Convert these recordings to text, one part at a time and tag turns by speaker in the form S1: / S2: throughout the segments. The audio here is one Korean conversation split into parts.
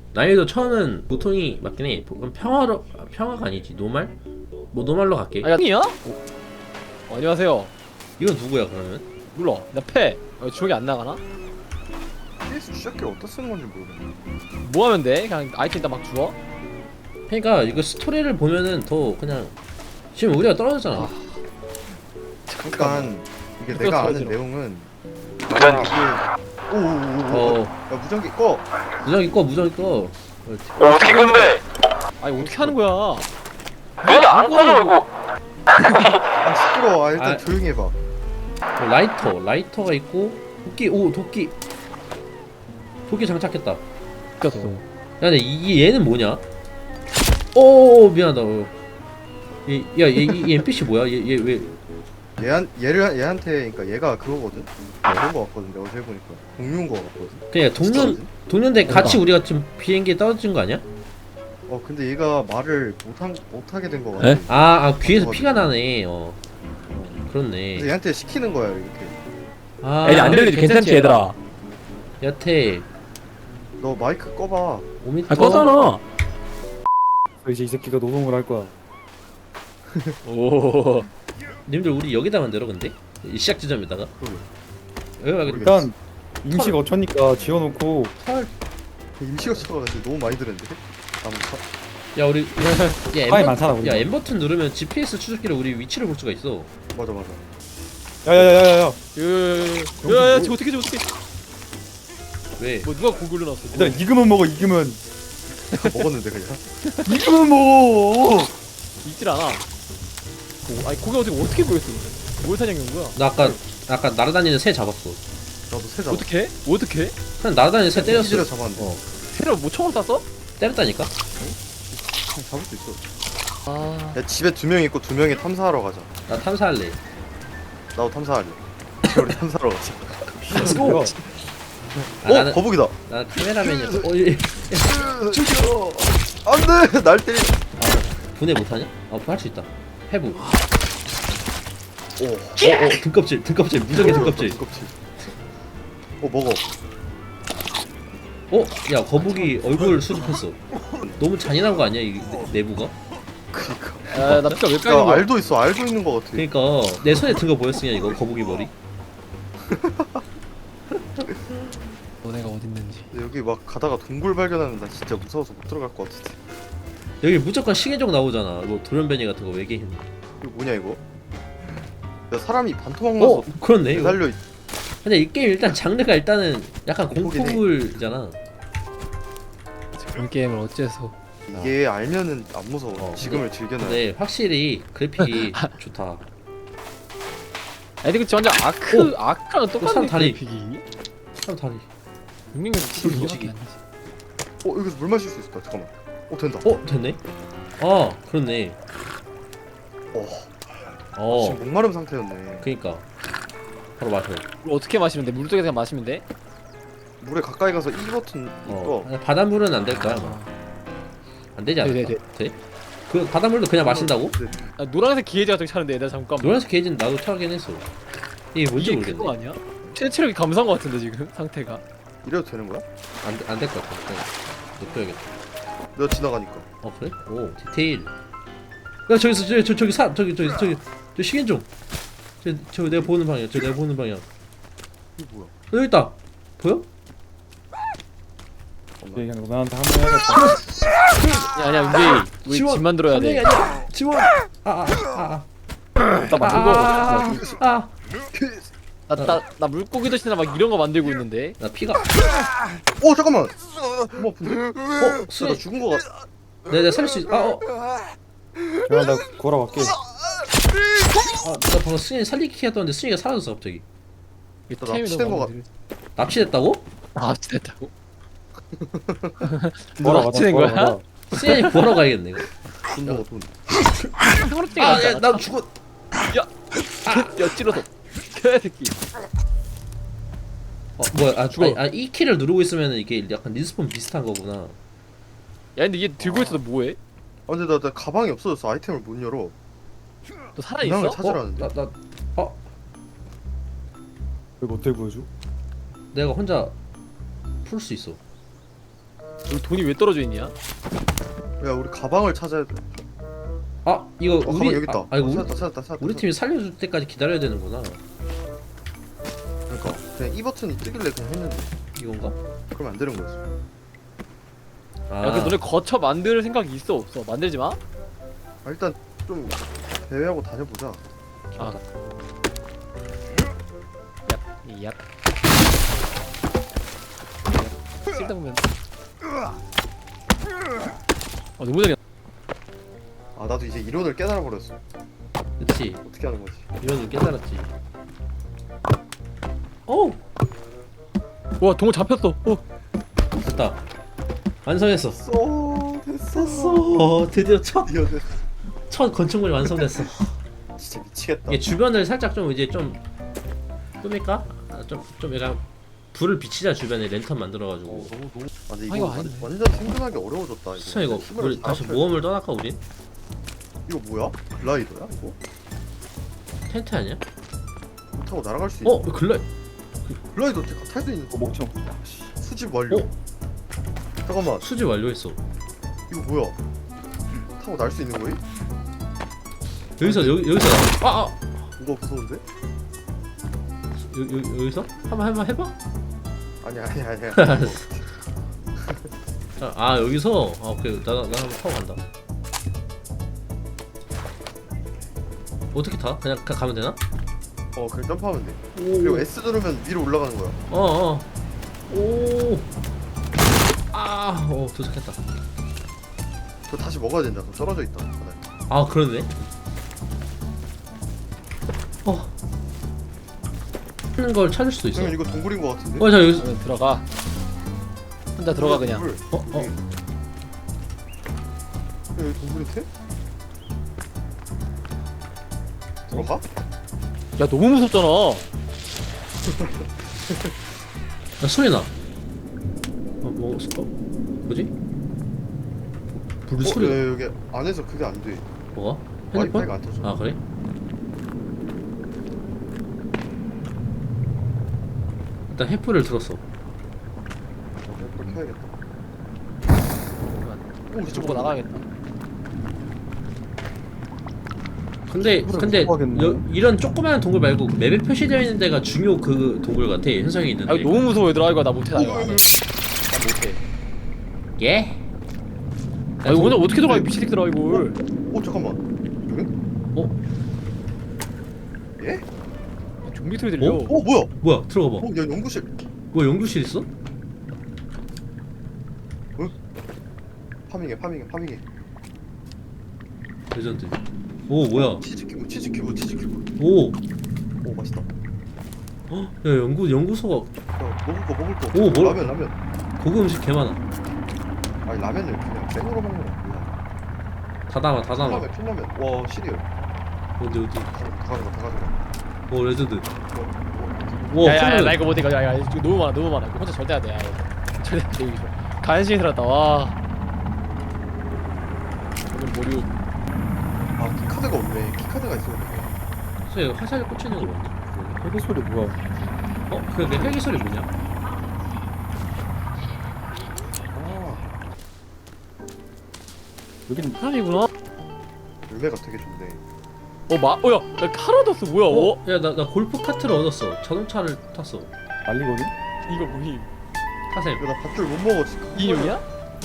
S1: 난이도 처음은 보통이 맞긴 해. 그럼 평화가 아니지. 노말? 뭐 노말로 갈게.
S2: 아, 야이야? 안녕하세요.
S1: 이건 누구야 그러면?
S2: 몰라. 나 패. 주먹이 안 나가나?
S3: PS 시작기 어디다 쓰는 건지 모르겠네.
S2: 뭐 하면 돼? 그냥 아이템 다 막 주워?
S1: 그러니까 이거 스토리를 보면은 더 그냥 지금 우리가 떨어졌잖아.
S3: 잠깐 이게
S2: 이거
S3: 내가 아는
S2: 떨어지러.
S3: 내용은
S4: 무전기.
S3: 오오오오.
S1: 어
S3: 야 무전기 꺼.
S1: 무전기 꺼.
S4: 어떻게 근데?
S2: 아니 어떻게 하는 거야?
S4: 왜안 꺼져 이거?
S3: 아 시끄러워. 아 일단
S1: 아.
S3: 조용히 해봐.
S1: 라이터가 있고 도끼 장착했다.
S2: 꼈어.
S1: 야 근데 얘는 뭐냐? 오 미안하다. 얘 NPC 뭐야? 얘 왜?
S3: 얘한테 그러니까 얘가 그거거든. 그런 거 같거든. 내가 어제 보니까 공룡 거 같거든.
S1: 그냥 동년대 같이 우리가 지금 비행기에 떨어진 거 아니야?
S3: 근데 얘가 말을 못하게 된 거 같아.
S2: 에?
S1: 귀에서 피가 나네. 그렇네.
S3: 그래서 얘한테 시키는 거야 이렇게.
S2: 애들 안 들리지? 괜찮지 얘들아?
S1: 여태
S3: 너 마이크 꺼봐.
S1: 5m.
S2: 아 꺼잖아.
S5: 이제 이 새끼가 노동을 할 거야.
S2: 오.
S1: 님들 우리 여기다 만들어 근데? 이 시작 지점에다가 여기 말고
S5: 일단 임시 거처니까 지어놓고
S1: 털.
S3: 임시가 쳐가지고 너무 많이 들었는데.
S1: 야 우리
S5: 땅이 많잖아 우리.
S1: 야 M 버튼 누르면 GPS 추적기로 우리 위치를 볼 수가 있어.
S3: 맞아.
S5: 야야야야야.
S2: 야야야 저 어떻게
S1: 왜?
S2: 뭐 누가 고글로 놨어?
S5: 일단 익으면 먹어 익으면.
S3: 먹었는데 그냥.
S5: 익으면 먹어.
S2: 있질 않아. 아니 고기 어떻게 보였어? 뭘 사냥한 거야?
S1: 나 아까 날아다니는 새 잡았어.
S3: 나도 새 잡아.
S2: 어떻게?
S1: 그냥 날아다니는 새 때렸어.
S3: 를 잡았는데.
S2: 새로 뭐 총을 쐈어?
S1: 때렸다니까?
S3: 그냥 잡을 수 있어.
S2: 아.
S3: 야 집에 2명 있고 2명이 탐사하러 가자.
S1: 나 탐사할래.
S3: 나도 탐사할래. 우리 탐사하러 가자.
S5: 뭐야?
S1: 나는
S3: 거북이다.
S1: 나 카메라맨이었어.
S3: 죽여. 안돼. 날 때리.
S1: 분해 못하냐? 분할 수 있다. 해부.
S3: 오.
S1: 등껍질 무적의 등껍질.
S3: 먹어.
S1: 야 거북이 얼굴 수집했어. 너무 잔인한 거 아니야 이 내부가?
S3: 그니까.
S2: 나 피가 왜
S3: 야
S2: 까는 거야?
S3: 알도 있어. 알도 있는 거 같아.
S1: 그러니까 내 손에 든 거 보였으냐 이거 거북이 머리?
S2: 너네가 어딨는지.
S3: 근데 여기 막 가다가 동굴 발견하면 나 진짜 무서워서 못 들어갈 것 같은데.
S1: 여기 무조건 시계적 나오잖아. 뭐 돌연변이 같은 거 외계인.
S3: 이거 뭐냐 이거? 야 사람이 반토막 나서
S1: 그렇네. 이거.
S3: 달려.
S1: 근데 이 게임 일단 장르가 일단은 약간
S3: 공포긴 해.
S1: 공포물이잖아.
S2: 그런 게임을 어째서?
S3: 이게 알면은 안 무서워.
S1: 어,
S3: 지금을 즐겨놔.
S1: 근데 확실히 그래픽이 좋다.
S2: 아니 근데 완전 아크랑
S1: 사람
S2: 똑같은
S1: 다리.
S2: 그래픽이.
S1: 사람 다리.
S2: 육링은
S1: 솔직히.
S2: 솔직히.
S3: 여기서 물 마실 수 있다. 잠깐만. 된다.
S1: 됐네. 그렇네.
S3: 지금 목마름 상태였네.
S1: 그니까 바로 마셔.
S2: 물 어떻게 마시면 돼? 물 속에서 그냥 마시면 돼?
S3: 물에 가까이 가서 E 버튼 이거.
S1: 바닷물은 안 될 거야. 아마. 안 되지 않을까?
S2: 네.
S1: 돼? 그 바닷물도 그냥 마신다고?
S3: 네.
S2: 노란색 기계제 같은 거 차는데 얘들 잠깐만.
S1: 노란색 게이지는 나도 차긴 했어. 이게 뭔지
S2: 이게 그거
S1: 모르겠네.
S2: 아니야? 최체력이 감소한 거 같은데 지금 상태가.
S3: 이래도 되는 거야?
S1: 안 될 것 같아. 그냥 높여야겠다.
S3: 내가 지나가니까.
S1: 그래? 오 디테일. 야 저기 시계 좀. 저 내가 보는 방향. 내가 보는 방향.
S3: 이게 뭐야?
S1: 여기 있다. 보여?
S5: 그냥 너한테 한번 해야겠다.
S2: 아니야 윤재이 우리
S1: 지원!
S2: 집 만들어야
S1: 한 명이
S2: 돼.
S1: 아니야. 지원.
S5: 나 만들고.
S2: 나 물고기 대신에 막 이런 거 만들고 있는데.
S1: 나 피가.
S3: 잠깐만. 뭐 아픈데? 나
S1: 수리.
S3: 죽은 거 같.
S1: 내가 살릴 수 있.
S5: 제가 나 걸어갈게.
S1: 나 방금 승현이 살리기 했던데 승현이가 사라졌어 갑자기.
S3: 나 납치된 거 같.
S1: 납치됐다고?
S2: 납치됐다고? 너
S5: 걸어가자,
S2: 납치된 거야?
S5: 걸어가자.
S1: 승현이 구하러 가야겠네 이거.
S3: 죽은 거 같은.
S2: 형으로증이 났잖아.
S1: 나 죽어.
S2: 야 찔러서. 개새끼.
S1: 뭐야?
S2: 죽어.
S1: 이 키를 누르고 있으면 이게 약간 리스폰 비슷한 거구나.
S2: 야 근데 얘 들고 있어도 뭐해?
S3: 근데 나 가방이 없어졌어. 아이템을 못 열어.
S2: 너 살아
S3: 이상을
S2: 있어?
S3: 찾으라는데.
S5: 왜 어떻게 보여줘?
S1: 내가 혼자 풀 수 있어.
S2: 여기 돈이 왜 떨어져 있냐?
S3: 야 우리 가방을 찾아야 돼.
S1: 아 이거
S3: 가방
S1: 우리
S3: 여기 있다.
S1: 아, 이거
S3: 찾았다.
S1: 우리 팀이 살려줄 때까지 기다려야 되는구나.
S3: 그러니까 그냥 이 버튼이 뜨길래 그냥 했는데
S1: 이건가?
S3: 그러면 안 되는 거였어.
S1: 아,
S2: 야, 그 너네 거쳐 만들 생각이 있어 없어? 만들지 마.
S3: 아, 일단 좀 대회하고 다녀보자.
S2: 아. 얍. 쓸데보면. 너무 잘해.
S3: 아 나도 이제 이론을 깨달아 버렸어.
S1: 그렇지.
S3: 어떻게 하는 거지?
S1: 이런 걸 깨달았지. 오
S2: 와 동호 잡혔어.
S1: 됐다. 완성했어.
S3: 됐어.
S1: 드디어 첫
S3: 이거
S1: 건축물이 완성됐어.
S3: 진짜 미치겠다.
S1: 이게 주변을 살짝 좀 이제 좀 꾸밀까? 아, 좀 약간 불을 비치자 주변에 랜턴 만들어가지고.
S3: 너무 아 근데
S2: 아,
S3: 이거
S2: 이거 아닌데.
S3: 완전 생존하기 어려워졌다.
S1: 수찬 이거
S3: 힘을
S1: 우리
S3: 다
S1: 다시
S3: 합쳐야
S1: 모험을 떠날까 우린?
S3: 돼. 이거 뭐야? 글라이더야 이거?
S1: 텐트 아니야?
S3: 못 타고 날아갈 수 있어.
S1: 어 글라이.
S3: 글라이더 탈 수 있는 거.
S5: 목청.
S3: 수집 완료.
S1: 어?
S3: 잠깐만
S1: 수집 완료했어.
S3: 이거 뭐야? 타고 날 수 있는 거임?
S1: 여기서 아
S3: 뭐가 무서운데?
S1: 여기서 한번 해봐.
S3: 아니야.
S1: 아 여기서 아 오케이 나 한번 타고 간다. 어떻게 타? 그냥 가면 되나?
S3: 그냥 점프하면 돼. 그리고 S 누르면 위로 올라가는 거야.
S1: 도착했다.
S3: 그거 다시 먹어야 된다. 그거 떨어져 있다. 바닥에.
S1: 아 그러네. 하는 걸 찾을 수도 있어.
S3: 그러면 이거 동굴인 거 같은데?
S1: 자 여기서
S2: 그러면 들어가. 혼자 들어가 그냥.
S3: 동굴. 여기 동굴인데? 들어가?
S2: 야 너무 무섭잖아.
S1: 야, 소리 나. 뭐지? 불 소리.
S3: 야, 여기 안에서 그게 안 돼.
S1: 뭐가? 핸드폰?
S3: 와이파이가 안 터져.
S1: 아 그래? 일단 횃불을 들었어.
S3: 그렇게 해야겠다.
S2: 오 이쪽 보고 나가야겠다.
S1: 근데
S5: 못
S1: 이런 조그마한 동굴 말고 맵에 표시되어 있는 데가 중요 그 동굴 같아. 현상이 있는데.
S2: 아 이거 너무 무서워 얘들아. 이거 나 못해 나 이거 안 해. 나 못해.
S1: 예?
S2: 아 이거 오늘 어떻게 들어가 이 미친 새끼들아 이걸.
S3: 잠깐만. 예?
S2: 좀비 소리 들려.
S3: 뭐야?
S1: 뭐야? 들어가 봐.
S3: 야 연구실.
S1: 뭐야 연구실 있어?
S3: 파밍해.
S1: 레전드. 오 뭐야?
S3: 치즈 큐브.
S1: 오.
S3: 오 맛있다.
S1: 야 연구소가
S3: 야 먹을 거.
S1: 오, 뭘?
S3: 라면.
S1: 고급 음식 개 많아.
S3: 아니 라면을 그냥 생으로 먹는 거 뭐야?
S1: 다 담아.
S3: 컵라면. 와 시리얼.
S1: 어디?
S3: 다 가져가.
S1: 오 레전드.
S3: 뭐,
S1: 와
S2: 야야야 나
S1: 컵라면.
S2: 이거 못해 이거. 야 이거 너무 많아 이거 혼자 절대 안 돼. 야, 이거. 절대 안 돼 이거. 간신히 들었다 와. 오늘 모류.
S3: 키카드가 없네. 키카드가 있어야 돼.
S1: 그래서 화살을 꽂히는 거 뭐지?
S5: 헬기 소리 뭐야?
S1: 내 헬기 소리 뭐냐?
S5: 여기는
S2: 사람이구나.
S3: 열매가 되게 좋네.
S2: 야 카라더스 뭐야?
S1: 나 골프 카트를 얻었어. 자동차를 탔어.
S5: 말리거든?
S2: 이거 뭐임?
S1: 타셈.
S3: 나 밥줄 못 먹어 지금.
S2: 이용이야?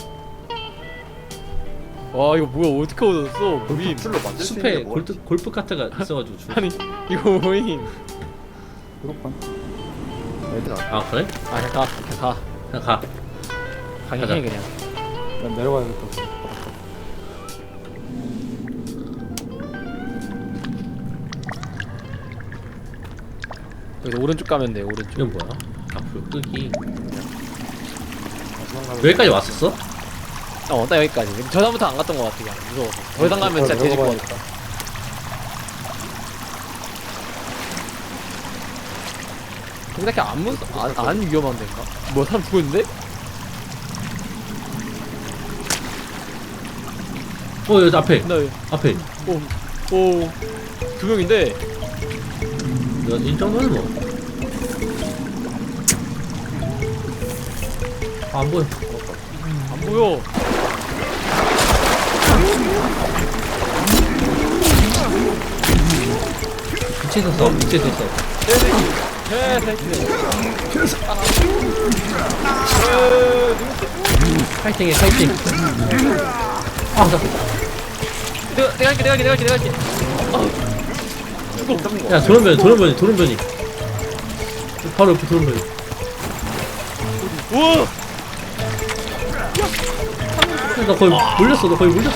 S2: 와 이거 뭐야 어떻게 얻었어? 뭐임?
S3: 밥줄로 만들 수
S1: 숲에
S3: 있는 게 뭐야?
S1: 골프 카트가 있어가지고 주.
S2: 아니 이거 뭐임?
S5: 초록판?
S1: 아 그래?
S2: 아 그냥 가.
S1: 그냥 가.
S2: 가긴
S1: 가자.
S2: 해 그냥.
S5: 난 내려가야겠다.
S2: 여기 오른쪽 가면 돼 오른쪽.
S1: 이건 뭐야? 앞으로 끄기. 여기까지 왔었어?
S2: 딱 여기까지. 저 다음부터 안 갔던 것 같아 그냥 무서워서. 더 이상 가면 진짜 돼질 것 같아. 근데 딱히 안 위험한 데인가? 뭐 사람 죽었는데?
S1: 여기 앞에.
S2: 나
S1: 앞에.
S2: 두 명인데.
S1: 이 정도는 뭐. 안 보여.
S2: 안 보여.
S1: 밑에서 써 밑에서 써 파이팅해 파이팅 아 잠깐
S2: 내가 할게.
S1: 야 도련변이 바로 옆에 도련변이
S2: 우와.
S1: 나 거의 물렸어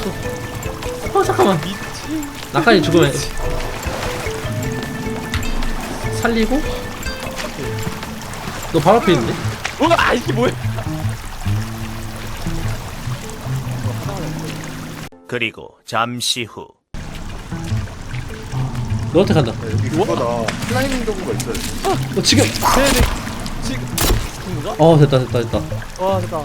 S1: 잠깐만 나까지 죽으면 살리고 너 바로 앞에 있는데?
S2: 우와, 이게 뭐야?
S6: 그리고 잠시 후
S1: 너한테 간다
S3: 여기 그거다. 슬라이딩 도구가 있어요.
S1: 지금
S2: 지금 누가?
S1: 됐다
S2: 와, 됐다.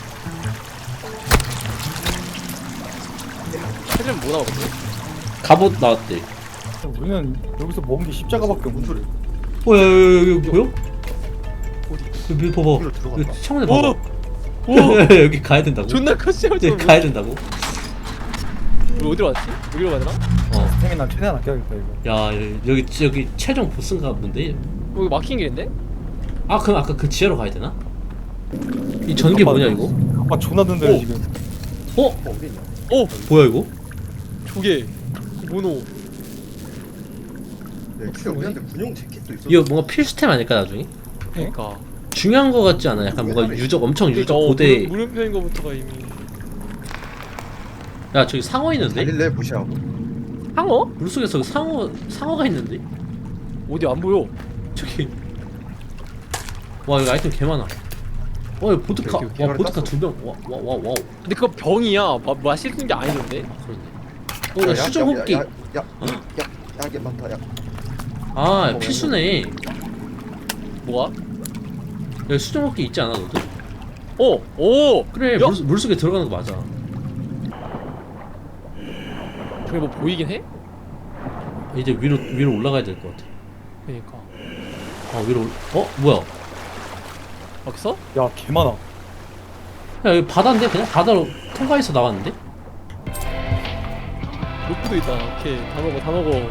S2: 해주면 뭐 나오거든?
S1: 갑옷 나왔대
S5: 우리는 여기서 먹은 게 십자가밖에 없는 소리.
S1: 야, 여기 보여? 여기 봐봐
S3: 여기로 들어간다.
S1: 여기 창문에 봐봐
S2: 오!
S1: 여기 가야 된다고?
S2: 존나 컸어요,
S1: 여기
S2: 저.
S1: 가야 된다고?
S2: 우리 어디로 왔지? 여기로 가야 되나?
S5: 생이 난 최대한 아껴야겠다 이거.
S1: 야 여기 최종 보스인가 본데?
S2: 여기 막힌 길인데?
S1: 아 그럼 아까 그 지하로 가야 되나? 이 전기 뭐냐 이거?
S5: 아빠 존나 든데
S2: 오.
S5: 지금.
S1: 어?
S3: 어디 있냐?
S2: 오!
S1: 뭐야 이거?
S2: 조개. 모노.
S3: 네, 근데 우리한테 군용 재킷도 있어.
S1: 이거 뭔가 필수템 아닐까 나중에?
S2: 그니까.
S1: 중요한 거 같지 않아? 약간 뭔가 엄청 유적 고대
S2: 물음표인 거부터가 이미.
S1: 야 저기 상어 있는데?
S3: 달릴래 무시하고.
S2: 상어?
S1: 물속에서 상어가 있는데?
S2: 어디 안 보여?
S1: 저기 와 여기 아이템 개 많아 와 여기 보드카
S3: 여기
S1: 와
S3: 개발을
S1: 보드카
S3: 땄어.
S1: 2병 와우
S2: 근데 그거 병이야. 마시는 게 아니던데?
S1: 그러네 수정 호흡기
S3: 야게 많다. 야.
S1: 아 필수네
S2: 뭐가?
S1: 여기 수정 호흡기 있지 않아 너도?
S2: 오!
S1: 그래
S2: 야!
S1: 물속에 들어가는 거 맞아
S2: 저게 뭐 보이긴 해?
S1: 이제 위로 올라가야 될 것 같아
S2: 그니까.
S1: 위로 뭐야
S2: 여기서?
S5: 야 개 많아.
S1: 야 여기 바다인데 그냥 바다로 통과해서 나왔는데?
S2: 로프도 있다. 오케이. 다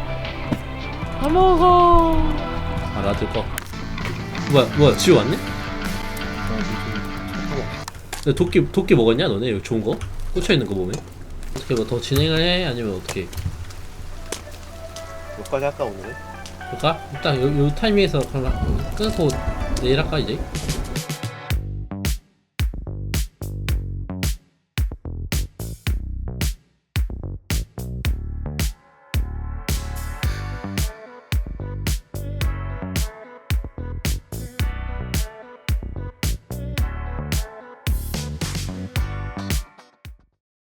S2: 먹어.
S1: 아 나도 거 뭐야 지우 왔네? 야, 도끼 먹었냐 너네 여기 좋은 거? 꽂혀있는 거 보면 어떻게 뭐 더 진행을 해? 아니면 어떻게
S3: 여기까지 할까 오늘은?
S1: 볼까? 일단 요 타이밍에서 그럼 끊고 내일 할까 이제?